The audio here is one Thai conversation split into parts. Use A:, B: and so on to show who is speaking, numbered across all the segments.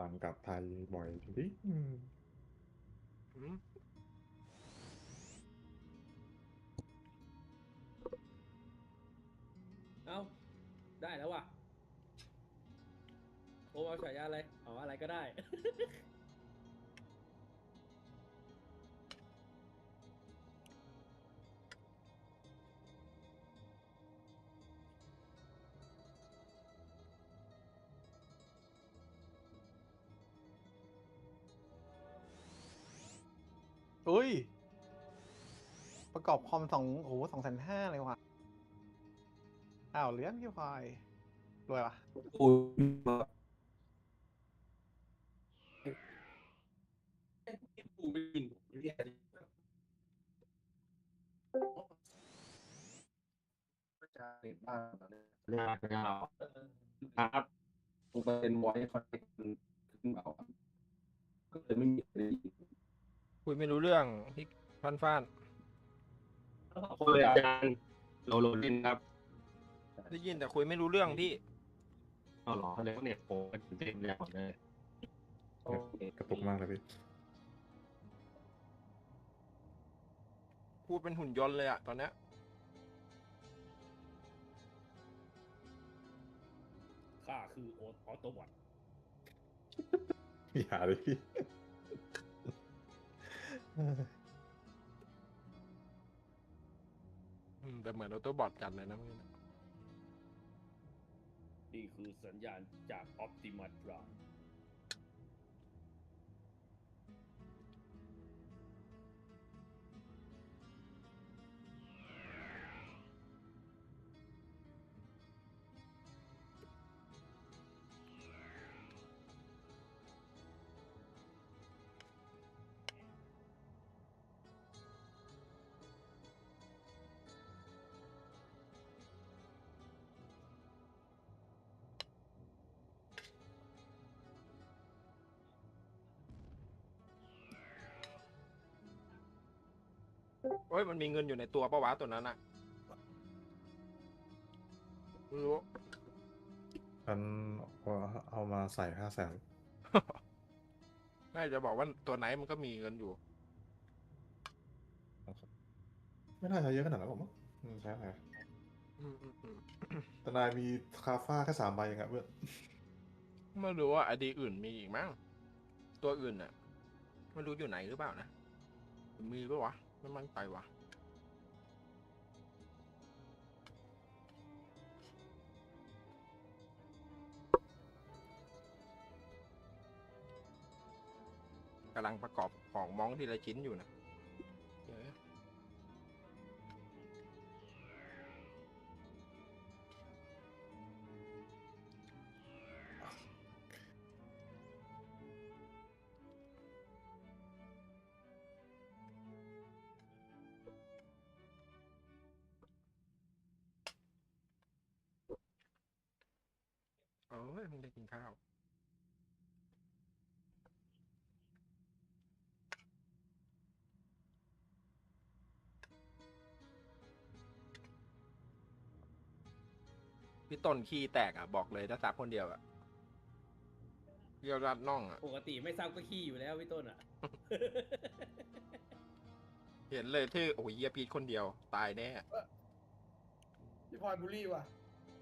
A: ต่างกับไทยบ่อยจริง
B: อืม
C: เอ้าได้แล้วว่ะโอเอาฉายาอะไรอ๋ออะไรก็ได้
D: อุ้ยประกอบคอมโอ้โห250,000เลยว่ะอ้าวเลี้ยงพี่พลอยรวยว่ะ
E: กูกูไม่ยินเรียกจะเด็ดบ้างครับกูเป็นไวท์คอนเนคขึ้นเบาก็เลยไม่มีอะไรยิน
B: คุยไม่รู้เรื่องพี่ฟ้าน
E: คนเลยอาจารย์โลลินครับ
B: ได้ยินแต่คุยไม่รู้เรื่องพี่
E: เอาหรอแล้วเนี่ยโอ้เต็มแล้วเลยโอเค
A: กระตุกมากเลยพี่
B: พูดเป็นหุ่นยนต์เลยอะตอนเนี้ย
C: ข้าคือออโตบอท
A: อย่าเลยพี่
B: แต่เหมือนออโต้บอทกันเลยนะเมื่อกี้
C: นี่คือสัญญาณจากออ t ติมัส Prime
B: โอ้ยมันมีเงินอยู่ในตัวปะวะตัวนั้นอะไม่รู้
A: ฉันเอามาใส่500,000
B: น่าจะบอกว่าตัวไหนมันก็มีเงินอยู่
A: ไม่น่าใช้เยอะขนาดนั้นหรอกมั้งใช่ไหม
B: อืมอืมอืม
A: แต่นายมีคาฟ้าแค่3 ใบเองอะเพื่อน
B: ไม่รู้ว่าไอดีอื่นมีอีกมั้งตัวอื่นอะไม่รู้อยู่ไหนหรือเปล่านะมีปะวะไม่มั่นใจวะกำลังประกอบของมองทีละชิ้นอยู่นะเดี๋ยวเอ้ยมึงได้กินข้าว พี่ต้นขี้แตกอ่ะบอกเลยถ้าซับคนเดียวอ่ะเดียวรัดน่องอ่ะ
C: ปกติไม่ซ้ำก็ขี้อยู่แล้วพี่ต้นอ่ะ
B: เห็นเลยที่โอ้ยเยียพีทคนเดียวตายแน่
F: พี่พลอยบูลลี่ว่ะ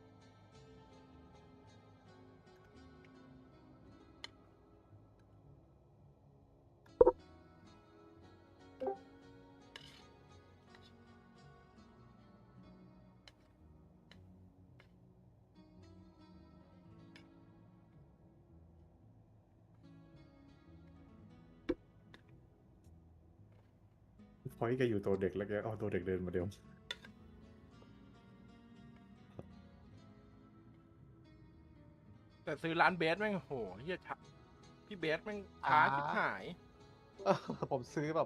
A: พอยแกอยู่ตัวเด็กแล้วแกเอาตัวเด็กเดินมาเดียว
B: แต่ซื้อร้านเบสแม่งโหเฮียช้าพี่เบสแม่งช้าชิบหาย
D: เออผมซื้อแบบ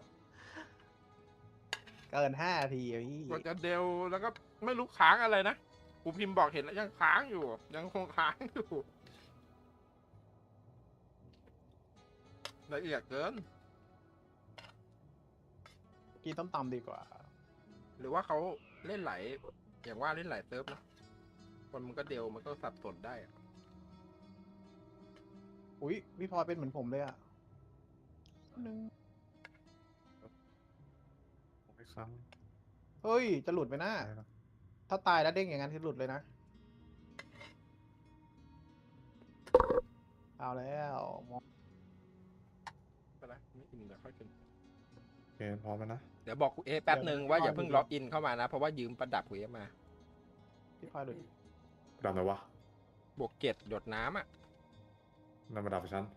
D: เกิน5 นาทีอะพี่
B: กว่าจะเดลแล้วก็ไม่รู้ค้างอะไรนะกูพิมพ์บอกเห็นแล้วยังค้างอยู่ ยังคงค้างอยู่ละเอียดเกิน
D: กินต้มตำดีกว่า
B: หรือว่าเขาเล่นหลายอย่างว่าเล่นหลายเซิร์ฟนะคนมันก็เดลมันก็สับสนได้อะ
D: กูอุ้ยพี่พลอยเป็นเหมือนผมเลยอ่ะนึง
A: ไม่ซ้
D: เฮ้ย จะหลุดไปนะ
A: ำได้ปะ
D: ถ้าตายแล้วเด้งอย่างนั้นคือหลุดเลยนะ เอาแล้วมอง
B: ไปละไม่อิ่มเดี๋ยวค่อยกิน
A: โอเคพร้อมแล้วนะ
B: เดี๋ยวบอกกูเอแป๊บหนึ่งว่าอย่าเพิ่งล็อกอินเข้ามานะ เพราะว่ายืมประดับกูเอมา
D: พี่พลอยหลุด
A: ดับไหนวะ
B: บวก7หยดน้ำอ่ะ
A: นั่นมาดับฉัน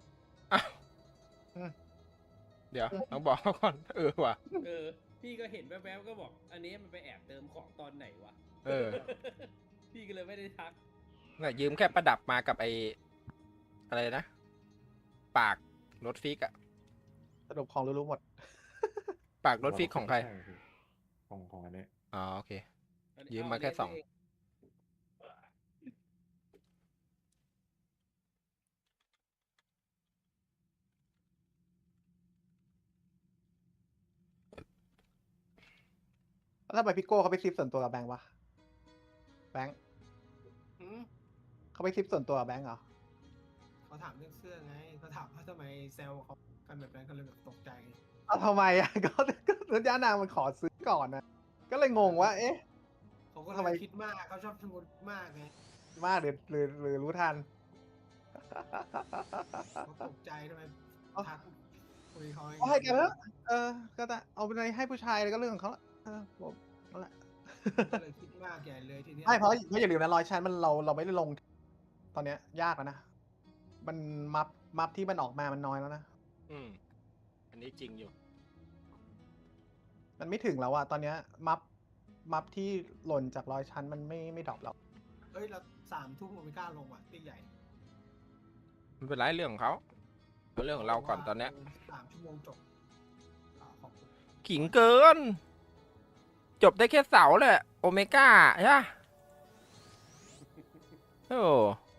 B: เดี๋ยวต้องบอกเขาก่อน ว่ะ
C: พี่ก็เห็นแวบๆก็บอก อันนี้มันไปแอบเติมของตอนไหนวะ พี่ก็เลยไม่ได้ทัก
B: น่ะยืมแค่ประดับมากับไออะไรนะ ปากรถฟิกอะ
D: สรุปของรู้ๆหมด
B: ปากรถฟิกของใคร
A: ของอันนี้
B: อ๋อโอเค ยืมมาแค่2
D: แล้วทำไมพี่โก้เขาไปซิปส่วนตัวกับแบงค์วะ แบงค์
F: หืม
D: เขาไปซิปส่วนตัวกับแบงค์เหรอ
F: เขาถามเรื่องเสื้อไงเขาถามว่าทำไมแซวเขากันแบบนั้นเขาเลยแบบตกใจ
D: เอาทำไมอ่ะ ก็สัญญานางมันขอซื้อก่อนนะ ก็เลยงงว่า เอ๊ะ
F: เขาก็
D: ทำไม
F: เลยคิดมากเขาชอบสมุดมากไง
D: มากหรือรู้ทัน
F: เขาตกใจทำไม
D: เอา
F: ทักคุยเขา
D: เอาให้กันเถอะก็จะเอาไปให้ผู้ชายเลยก็เรื่องของเขาละผมนั่นแหละ
F: ก็เลยคิดมากใหญ่เลยทีเนี้ย
D: ไม่เพราะอย่าลืมนะร้อยชั้นมันเราไม่ได้ลง ตอนเนี้ยยากแล้วนะ มันมัฟที่มันออกมามันน้อยแล้วนะ
B: อืมอันนี้จริงอยู่
D: มันไม่ถึงแล้วอะตอนเนี้ยมัฟที่หล่นจากร้อยชั้นมันไม่ดรอปแล้ว
F: เอ้ยเรา3 ทุ่มไม่กล้าลงว่ะตีใหญ่
B: ไม่เป็นไรเรื่องของเขาเอาเรื่องของเราก่อนตอนเนี้ย
F: 3 ชั่วโมงจบขอบคุณ
B: ขิงเกิน จบได้แค่เสาแหละโอเมก้าใช่ปะโอ้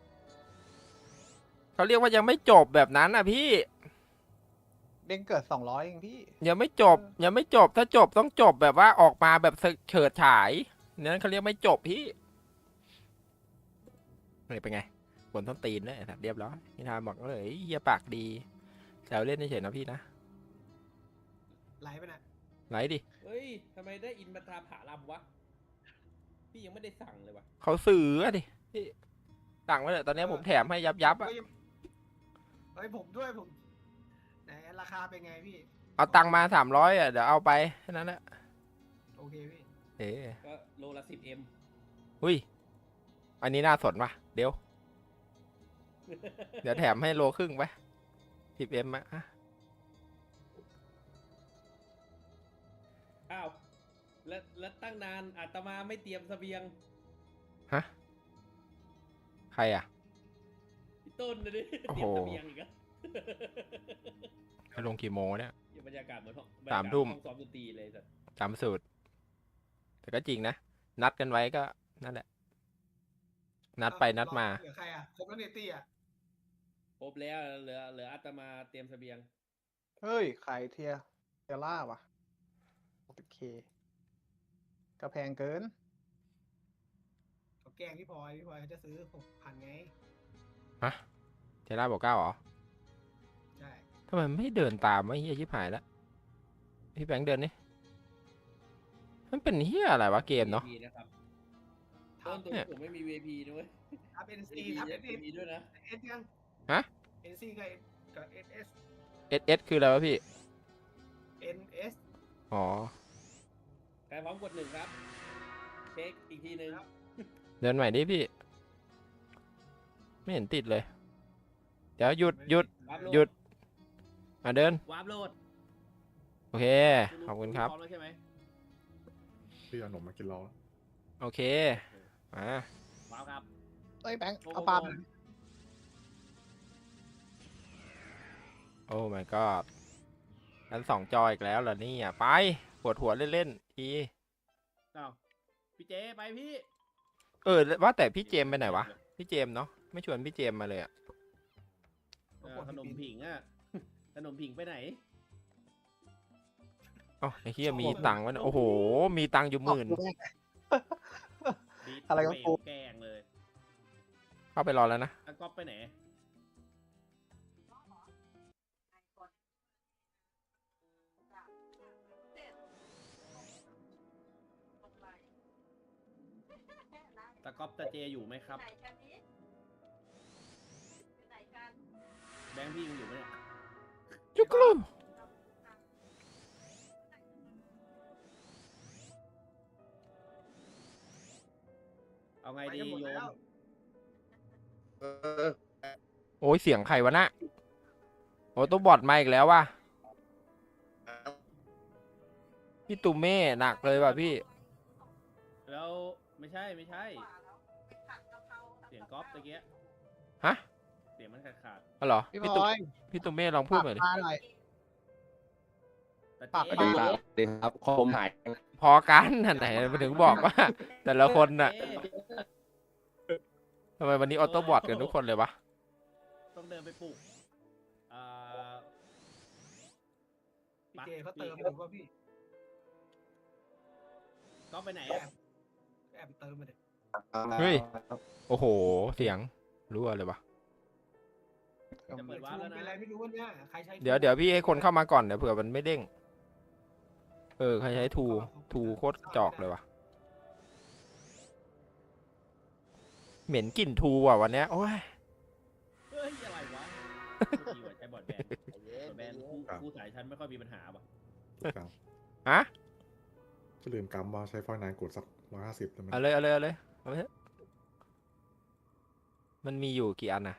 B: เขาเรียกว่ายังไม่จบแบบนั้นอ่ะพี่
D: เด้งเกิด200เองพี่
B: ยังไม่จบ ยังไม่จบ ถ้าจบต้องจบแบบว่าออกมาแบบเฉิดฉายนั้นเขาเรียกไม่จบพี่นี่เป็นไงบนต้นตีนเลยสัตว์เรียบร้อยพี่ทามบอกเลยเฮียปากดีแซวเล่นเฉยๆนะพี่นะ
F: ไลฟ์ไปนะ
B: ไหนดิ
C: เฮ้ยทำไมได้อินมาตราผาลำวะ พี่ยังไม่ได้สั่งเลยวะ
B: เขาซื้ออะดิพี่สั่งไว้เลยตอนนี้ผมแถมให้ยับอะ
F: เฮ้ยผมด้วยผมไหนราคาเป็นไงพี่
B: เอาตังค์มา300อะเดี๋ยวเอาไปแค่นั้นแหละ
F: โอเคพี่
B: เอ๋
C: ก็โลละ10M
B: หุ้ยอันนี้น่าสนว่ะเดี๋ยวแถมให้โลครึ่งไป10Mอะ
C: อ้าว แล้วตั้งนานอาตมาไม่เตรียมเสบียง
B: ฮะใครอะ
C: พี่ต้นนะดิ
B: โอ้
C: เต
B: โห
C: รียมเสบียงอีกอะ
B: ให้ลงกี่โมงเนี่ย
C: อย่าบรรยากาศเหมือนห้อง
B: 3 ทุ่ม
C: ห้องซ้อมดนตรีเลยสัตว์
B: จำสูตร แต่ก็จริงนะ นัดกันไว้ก็นั่นแหละ นัดไปนัดมา
F: เหลือใครอ่ะครบแล้วเนตี้อ่ะ
C: ครบแล้วเหลืออาตมาเตรียมเสบียง
D: เฮ้ยขายเทียร่าวะ 60K ก็แพงเกิน
F: เขาแกล้งพี่พลอยเขาจะซื้อ6,000ไง
B: ฮะเทล่าบอก9เหรอ
F: ใช่
B: ทำไมไม่เดินตามวะเฮียชิบหายแล้วพี่แบงค์เดินนี่มันเป็นเฮียอะไรวะเกมเนาะ
C: VIP นะครับ
F: ทั
C: ต้
F: บ
C: นตัวผมไม่มี VIP ด้วย
F: ทับ NC
C: VIP
F: ทับ
C: จะมีด้วยนะ
F: NS ยัง
B: ฮะ
F: NC กับ NS
B: SS คืออะไรวะพี่
F: NS
B: อ๋อ
C: ใครพร้อมกด1ครับ เช็คอีกทีหนึ่ง
B: เดินใหม่ดิพี่ ไม่เห็นติดเลย เดี๋ยวหยุด
C: วาร์ปโหล
B: หยุด เดิน
C: วาร์ปโหลด
B: โอเค ขอบคุณครับ
C: พร้อมแล้วใช่ไหม
A: พี่เอาขนมมากินรอแล้ว
B: โอเค มา
C: วาร์ปครับ
D: เอ้ยแบงค์
C: โอ้โห
D: เอาปลาไป
B: โอ้ my god กัน2 จออีกแล้วเหรอเนี่ยไป ปวดหัวเล่นๆที
C: อ้าวพี่เจไปพี่
B: ว่าแต่พี่เจมส์ไปไหนวะ พี่เจมส์เนาะ ไม่ชวนพี่เจมส์มาเลยอะ
C: ขนมผิงอ่ะ ขนมผิงไปไหน
B: เอ้าไอ้เฮียมีตังค์วะเนี่ยโอ้โห มีตังค์อยู่10,000
D: อะไรก็
C: เม
D: กู
C: ลแกล้งเลย
B: เข้าไปรอแล้วนะ
C: แล้วก๊อฟไปไหนก๊อปตาเจอยู่ไหมครับ แบงค์พี่ยังอยู่ไหมเนี่ย
B: จุกลู
C: เอาไง
F: ไป
C: ดี
F: กันหมด
C: โย
F: แล้ว
C: ม
B: โอ้ยเสียงใครวะน่ะโอ้ตัวบอดมาอีกแล้วว่ะพี่ตูเม่หนักเลยว่ะพี่
C: แล้วไม่ใช่เสียงก๊อปตะเกีย
B: ฮะ
C: เสียงมันขาด
B: อ๋อเหรอ
D: พี่
B: พี่
D: บ
B: ตู
D: อย
B: พี่ตูเม่ลองพูดหน่อยดิ
D: ปากปลาหน่อย
C: ตา
D: ปาก
C: เจ
D: ไป
E: สวัสดีครับคอมหาย
B: พอกันอันไหนมาถึงบอกว่า แต่ละคนน่ะ
C: เอ๊
B: ทำไมวันนี้ออโต้บอทกันทุกคนเลยวะ
C: ต้องเดินไปปลุกา
F: พี่เจเขาเติมอยู่ว่าพี่
C: ก๊อปไปไหน
F: แอ
C: อะ
F: บแอบเติมมาเด็
B: เฮ้ย โอ้โห เสียงรั่วเลยวะ
C: จะเปิดวาร์ปแล้ว
F: เป็น
C: นะ
F: ไรไม่รู้ว่าเนี่ยใครใช้
B: เดี๋ยวพี่ให้คนเข้ามาก่อนเดี๋ยวเผื่อมันไม่เด้ง ใครใช้ทูโคตรจอกเลยวะเหม็นกลิ่นทูอ่ะวันเนี้ยโอ้ย
C: เฮ้ยอะไรวะดีกว่าใช้บอร์ดแบนบอร์ดแบนคู่สายชั้นไม่ค่อยมีปัญหาป่ะ
A: ครับ
B: ฮะ
A: จะลืมกำว่าใช้ฟอยล์นานกดสัก150แล้วมัน
B: เอาเลยเอาไปเถอะมันมีอยู่กี่อันนะ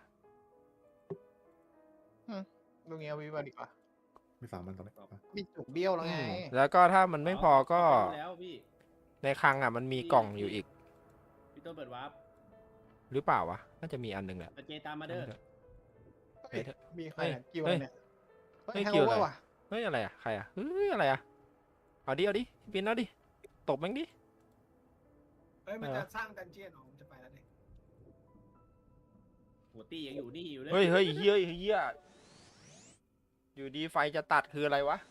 D: ลุงเงี้ยวิวดีกว่า
A: มี3มันตอนนี้อ่ะ
D: มีจุกเบี้ยวแล้วไง
B: แล้วก็ถ้ามันไม่พอก็
C: แล้วพี่
B: ในคลังอ่ะมันมีกล่องอยู่อีก
C: พี่ต้นเปิดวาร์ป
B: หรือเปล่าวะ น่าจะมีอันหนึ่งแหละ
C: ตาเจตามมาเด้อ
D: เฮ้ยมีใครอะ
B: เฮ้ย
D: กิวอะไรเนี่ย
B: เฮ้ย
D: แฮง
B: กิว
D: โอ
B: อะไร
D: เวอร์ว่ะ
B: เฮ้ยอะไรอ่ะใครอ่ะเฮ้ยอะไรอ่ะเอาดิพี่ปินเอาดิตบแม่งดิ
F: เฮ้ยมันจะสร้างดันเจียนออกมันจะไปแล้วเนี่ย
C: หัวตี้ยังอยู่นี่อยู่เลย
B: เฮ้ยเฮียอยู่ดีไฟจะตัดคืออะไรวะ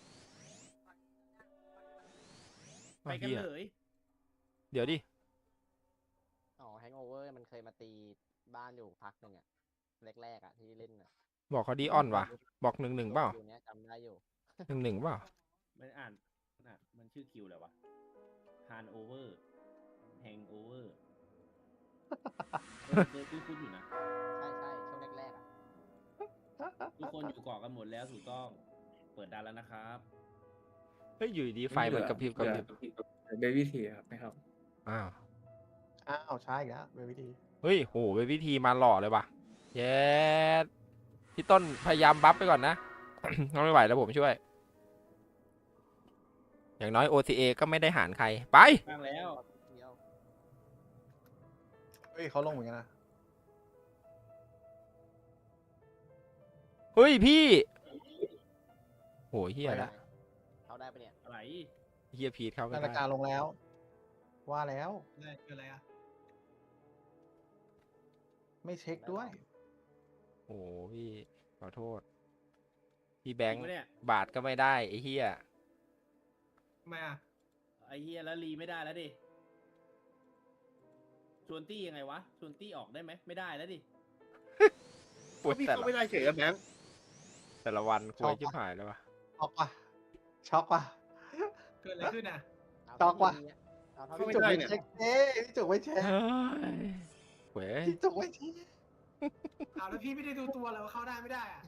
C: ไปกัน
B: เหี้ย
C: เลย
B: เดี๋ยวดิ
G: อ๋อแฮงโอเวอร์มันเคยมาตีบ้านอยู่พักหนึ่งอะแรกๆอะที่เล่นอะ
B: บอกเขาดีออนวะบอก1-1เปล่า
G: อยู่เนี้ยจำได้อยู่
B: 1-1เปล่า
C: มันอ่านมันชื่อคิวอะไรวะฮานโอเวอร์แฮงโอเวอร์เคยคุ้นๆอยู่นะ
G: ใช่ช่วงแรกๆอะ
C: ทุกคนอยู่เกาะกันหมดแล้วถูกต้อง เปิดดันแล้วนะครับ
B: เฮ้ยอยู่ดีไฟมันกระพริบ
H: เบบี้ทีครับนะครับ
B: อ้าว
D: อ้าวใช่อีกแล้วเป็นวิธี
B: เฮ้ยโหเป็นวิธีมาหล่อเลยว่ะเย้พี่ต้นพยายามบัฟไปก่อนนะ ไม่ไหวแล้วผมช่วย อย่างน้อย OCA ก็ไม่ได้หารใครไป
C: บ้างแล้ว
G: เดียว
D: เฮ้ยเขาลงเหมือนกันนะ
B: เฮ้ยพี่โหเฮียละ
G: เขาได้ปะเนี่ย
C: อะไร
B: เฮียพีทเข้าไม่
D: นาฬิ
B: ได้
D: กาลงแล้ว ว่าแล้ว
F: อะไรคืออะไรอ่ะ
D: ไม่เช็คด้วย
B: โอ้พี่ขอโทษ พี่แบงค์
C: จริปะเนี่ย
B: บาทก็ไม่ได้ไอ้เฮีย
F: ทำไมอ่ะ
C: ไอเฮียแล้วรีไม่ได้แล้วดิชวนตี้ยังไงวะชวนตี้ออกได้ไหมไม่ได้แล้วดิ
B: ปวด
H: พี่
B: แต่
H: เขา
B: ละ
H: ไม่ได้เฉยอะแบงค์
B: แต่ละวันคุ
D: ชอย บ
B: ชิบหายแล้ววะ
D: ช็อกว่ะช็อกว่ะ
F: เกิดอะไรขึ้นอ่ะ
G: เอา
D: จอกว่ะ
G: เอาเท่า
D: พี่
G: ที่
D: จุก
G: มี
D: ไม่
G: อะ
D: เช็คเอ้ยพี่จุกไม่เช็ค
B: เฮ้ยเว้ย
D: พี่จุกไม่เช็ค
F: อ้าวแล้วพี่ไม่ได้ดูตัวเลยว่าเข้าได้ไม่ได้อ่ะ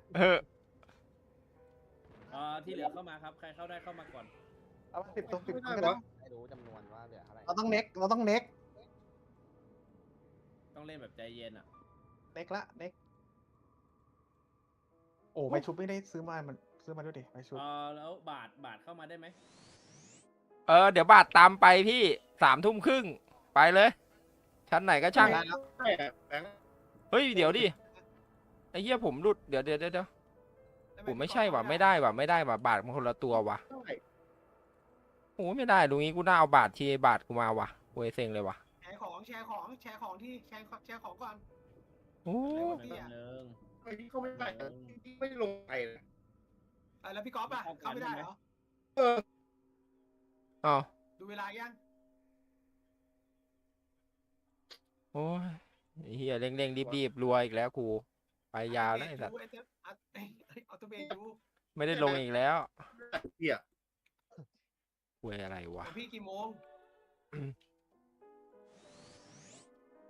C: ที่เหลือเข้ามาครับ ใครเข้าได้เข้ามาก่อน
D: เอามา10 ตัว 10 ตัว
H: ไม่
D: ก็
H: ได้
D: ได้
H: วะ
G: ไม่รู้จำนวนว่าเหลือเท่าไหร่
D: เราต้องเน็ก
C: ต้องเล่นแบบใจเย็นอ่ะ
D: เน็กโอ้ไม่ชุบไม่ได้ซื้อมาด้วยดิไม่ชุบ
C: แล้วบาทเข้ามาได้ไหม
B: เดี๋ยวบาทตามไปพี่3:30ไปเลย ชั้นไหนก็ช่าง
D: ได้แล้ว
H: ใช่อะแบงค์
B: เฮ้ยเดี๋ยวดิไอ้เหี้ยผมหลุดเดี๋ยวผมไม่ใช่ว่ะไม่ได้ว่ะบาทมันคนละตัวว่ะ
H: เท่าไหร่
B: โอ้ไม่ได้ลุงนี้กูน่าเอาบาททีบาทกูมาว่ะเวยเซ็งเลยว่ะ
F: แชร์ของที่แชร์ของก่อน
B: โอ้
C: ไม่บังเริง
H: ไอ้ที่เขาไม่ได้อะที่ไม่ลงไปเลย
F: แล้วพี่ก๊อฟอ่ะเข้าไม่ได้เหรอ
H: เออ
B: อ้าว
F: ดูเวลายัง
B: โอ้ยไอ้เหี้ยเร่งรีบรวยอีกแล้วกูไปยาวแล้วไอ้สัตว์
F: ออโตเบดู
B: ไม่ได้ลงอีกแล้ว
H: เหี้ย
B: เวยอะไรวะ
F: พี่กี่โมง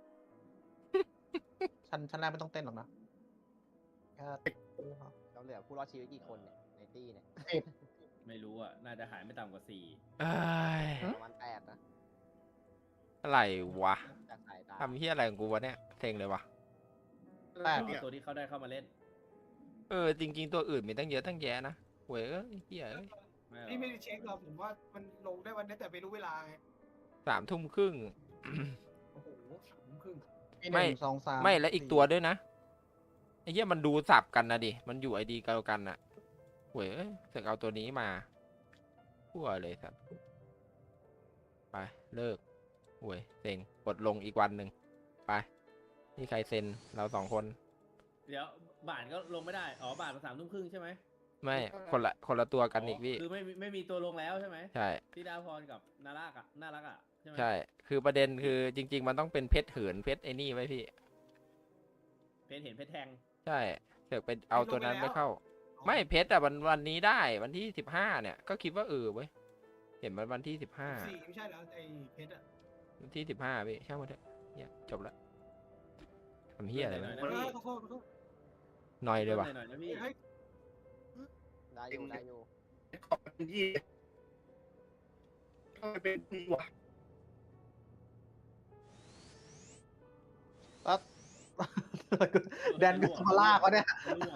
D: ชั้นแรกไม่ต้องเต้นหรอกนะแค่
G: เราเหลือผู้รอดชีวิตกี่คนเนี่ยในตี้เนี่ย
C: ไม่รู้อ่ะ น่าจะหายไม่ต่ำกว่า
B: เอ้ย
G: ประมาณ8นะ
B: อะไรวะ
G: จากสายตา
B: ทำเฮียอะไรของกูวะเนี่ยเซ็งเลยวะ
D: แปด
C: 4ตัวที่เขาได้เข้ามาเล่น
B: จริงๆตัวอื่นมีตั้งเยอะตั้งแยะนะเว้ยเฮียเอ้ย
C: ไม่หรอก
F: พี่ไม่ได้เช็คหรอกผมว่ามันลงได้วันนี้แต่ไม่รู้เวลาไง
B: 3 ทุ่มครึ่ง
F: โอ้โห3 ทุ่มครึ่ง
B: ไม่
D: 1 2 3
B: ไม่และอีกตัวด้วยนะไอ้เหี้ยมันดูสับกันนะดิมันอยู่ไอดีเดียวกันน่ะเว้ยเสกเอาตัวนี้มาพั่วเลยสัตว์ไปเลิกเว้ยเซ็งกดลงอีกวันหนึ่งไปนี่ใครเซ็นเรา2 คน
C: เดี๋ยวบ่านก็ลงไม่ได้ อ๋อบ่านมา3 ทุ่มครึ่งใช่ไหม
B: ไม่คนละตัวกันอีกพี่
C: คือไม่มีตัวลงแล้วใช่ไหม
B: ใช่
C: ที่ดาวพรกับนารักอ่ะน่ารักอ่ะใช่ไหม
B: ใช่ คือประเด็นคือจริง ๆ มันต้องเป็นเพชรเหินเพชรไอ้นี่ไว้พี่
C: เพชรเห็นเพชรแทง
B: ใช่เสือกไปเอาตัวนั้นไม่เข้า ไม่เพชรอะวันนี้ได้วันที่15เนี่ยก็คิดว่าเว้ยเห็นมันวันที่15
F: 4ไม่ใช่แล้วไอ้เพชรอะ
B: วันที่15พี่ช่างมันเถอะเนี่ยจบละทำเฮียอะไร
C: หน่
B: วะ
C: อย
F: ข
C: นะพี่
F: อโทษขอโทษ
B: หน่อยเลยว่ะ
C: หน่อยนะพี่
F: เฮ้ย
G: ได้อยู่ได้อยู่
H: ขอบเป็นยี่ทำไมเป็นนี่วะ
D: แล้ว แดนวิสมาลากวะเนี่ย
C: ร่วง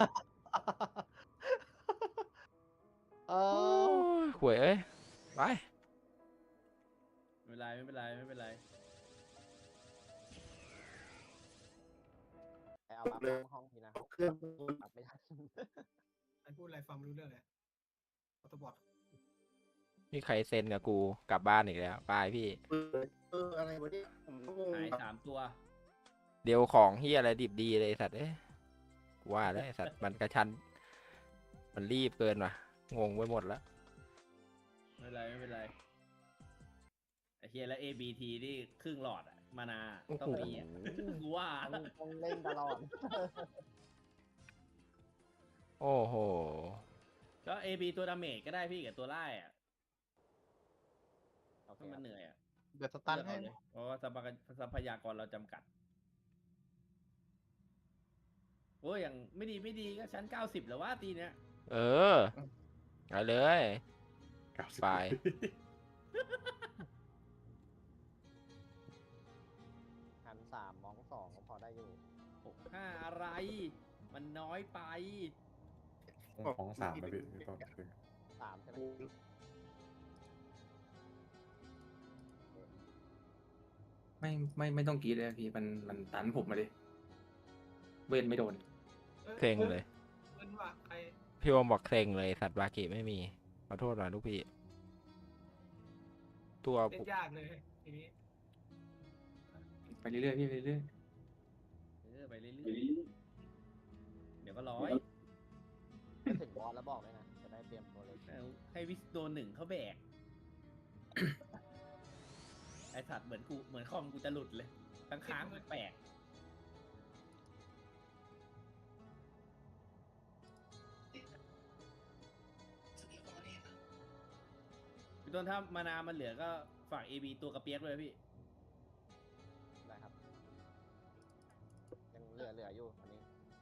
D: เอ
B: โอ้
D: อย
B: หวยเอ้ยไป
C: ไม่เป็นไร
G: ไปเอาบัฟห้องพี่นะ
H: เครื่อง
G: บัฟไม่ทัน
F: ไอ้พูดอะไรฟังไม่รู้เรื่องเลยออโตบอท
B: มีใครเซ็นกับกูกลับบ้านอีกแล้วไปพี่
H: อะไรวะเนี่ยผมก็งง
C: หาย3 ตัว
B: เดี๋ยวของเฮียอะไรดิบดีเลยไอ้สัตว์เอ้ยกูว่าแล้วไอ้สัตว์มันกระชั้นมันรีบเกินว่ะงงไปหมดแล้ว
C: ไม่เป็นไรไอ้เฮียแล้ว ABT นี่ครึ่งหลอดอะมานาต้องมีอะกูว่า
G: ต้องเล่นตลอด
B: โอ้โห
C: ก็ AB ตัวดาเมจก็ได้พี่กับตัวไล่อะ
G: โอเค
C: ถ้ามันเหนื่อยอะ
D: เดี๋ยวสตัน
C: เลือก
D: ให้
C: เอาเลยเพราะว่าทรัพยากรเราจำกัดโอ้ยอย่างไม่ดีก็ชั้น90แล้วว่าตีเนี้ย
B: เอาเลย
A: 90
B: ไป
G: หัน3มอง2ก็พอได้อยู่
C: 65อะไร มันน้อยไป
A: ของ3ไปพี่พี่ต้น
G: 3ใช่ไหม
E: ไม่ต้องกรีดเลยพี่มันตันผมมาดิเวทไม่โดน
B: เซ็งเลย
F: เงินว่ะใคร
B: พี่วอมบอกเซ็งเลยสัตว์บากิไม่มีขอโทษหน่อยลูกพี่ ตัว
F: เล่นยากเลยทีนี้
E: ไปเรื่อยๆพี่ไปเรื่อย
C: ไปเรื่อยๆเดี๋ยวก็ร้อย
G: ถ้าถึงบอสแล้วบอกเลยนะ จะได้เตรียมตัวเลย
C: เอาให้วิสโดน1เขาแบก ไอสัตว์เหมือนคอมกูจะหลุดเลยค้างๆแปลกพี่ต้นถ้ามานามันเหลือก็ฝาก AB ตัวกระเปียกเลยพี่
G: ได้ครับ ยังเหลืออยู่อันนี้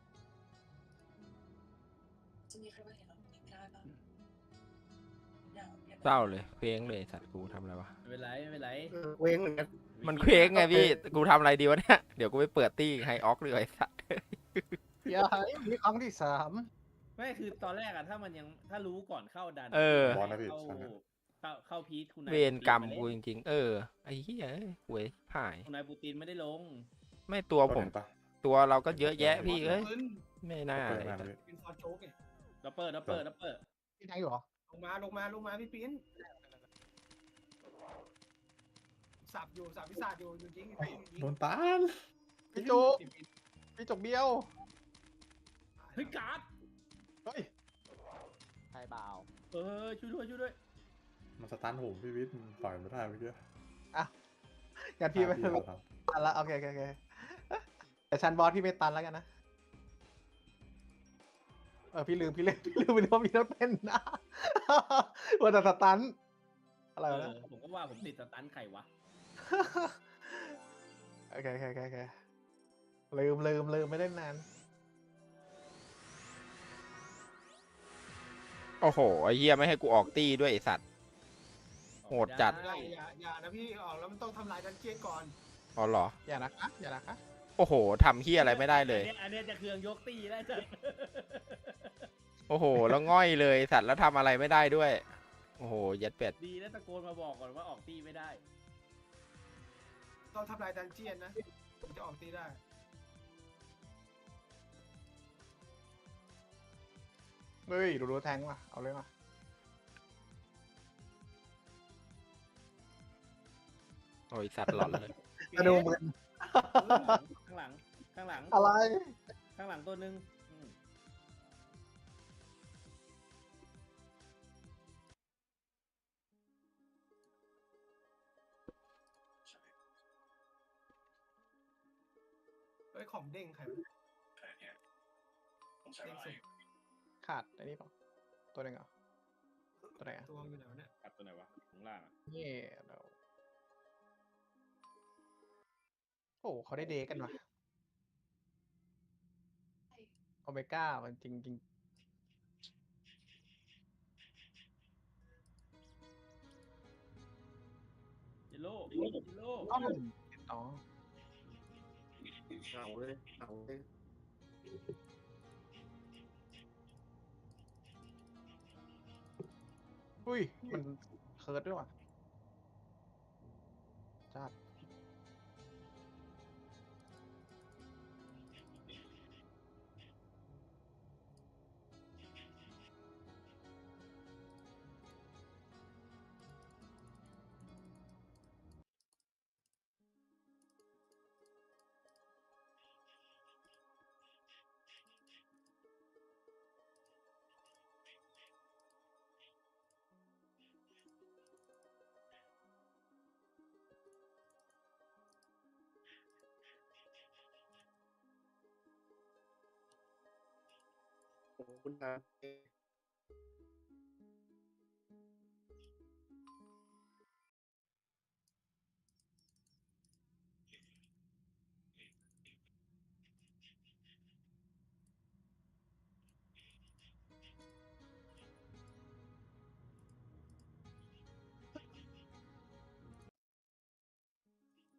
B: เศร้าเลยเคว้งเลยสัตว์กูทำอะไรวะ
C: ไม่เป็นไร
H: เว้งเหมือนกัน
B: มันเคว้งไงพี่กูทำอะไรดีวะเนี่ยเดี๋ยวกูไปเปิดตี้ไฮออกเลยไอ้สัตว์
D: อย่าให้มีครั้งที่
C: ไม่คือตอนแรกอะถ้ารู้ก่อนเข้าดัน
A: บอลนะพี่
C: เข้าพีทคุณนาย
B: เวรกรรม
C: ปู
B: กู
C: ติน
B: จริงๆไอ้เหี้ยเอ้ยหวยหาย
C: คุณนายปูตินไม่ได้ลง
B: ไม่ตัวผม
A: เห็นปะ
B: ตัวเราก็เยอะแยะพี่เอ้ย
F: ปืน
B: ไม่น่า
A: เปิด
B: เลย
A: มาแล้วพี่
F: เป็นฟอร์โจ๊กเนี่ย
C: ดับเปิด
D: 3พี่แทงอยู่เหรอ
F: ลงมาพี่ปิ้นสับวิสาดอยู่ยิง
A: โดนตาน
D: พี่จุกพี่จุกเบี้ยว
C: เฮ้ยการ์ด
D: เฮ้ย
G: ใช่เปล่า
C: ช่วยด้วย
A: มันสตันผมพี่วิทย์มันปล่อยไม่ได้เมื่อกี้
D: งั้นพี่ไม่
A: พี่เราท
D: ตันละโอเคแต่ชั้นบอสพี่ไม่ตันแล้วกันนะ พี่ลืมไปว่ามีรถเป็นนะ ว่าแต่สตันอะไรวะเนี่ย
C: ผมก็ว่าผมติดสตันไข่วะ
D: โอเคลืมไม่ได้นาน
B: โอ้โหไอ้เหี้ยไม่ให้กูออกตีด้วยไอ้สัตว์ โหดจัด
C: ไม่
F: อย่านะพี่ออกแล้วมันต้องทำลายดันเจียนก่อน
B: อ๋อเหรอ
D: อย่านะคะอย่านะคะ
B: โอ้โหทำเหี้ยอะไรไม่ได้เลย
C: อันเนี้ยจะเครื่องยกตีได้จ้ะ
B: โอ้โห แล้วง่อยเลยสัตว์แล้วทำอะไรไม่ได้ด้วย โอ้โหยัดเป็ด
C: ดีแล้วตะโกนมาบอกก่อนว่าออกตีไม่ได้
F: ต้องทำลายดันเจียนนะถึงจะออกตีได้
D: เฮ้ยดูแทงว่ะเอาเลยมา
B: โอ้ยสัตว์หลอนเลย
D: กระดูมึน
C: ข้างหลัง ข้างหลัง
D: อะไร
C: ข้างหลังตัวหนึ่งอืม
F: เฮ้ยของเด้งใครวะเด้งสุด
D: ขาดไอ้นี่เปล่าตัวหนึ่งเหรอตัวไหนอ่ะ
F: ตัวอยู่ไหนวะเนี่ย
C: ตัดตัวไหนวะข้างล่างอะ
D: นี่เราโอ้เขาได้เดย์กันว่ะโอเมก้ามันจริง
C: เยลโล่เยลโล่
D: ๆอ๋ออ๋อ
H: เอาเลยเอาเลย
D: อุ้ยมันเคิร์ดด้วยว่ะจัด
H: ขอบคุณครับ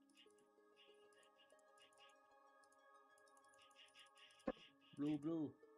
C: บลู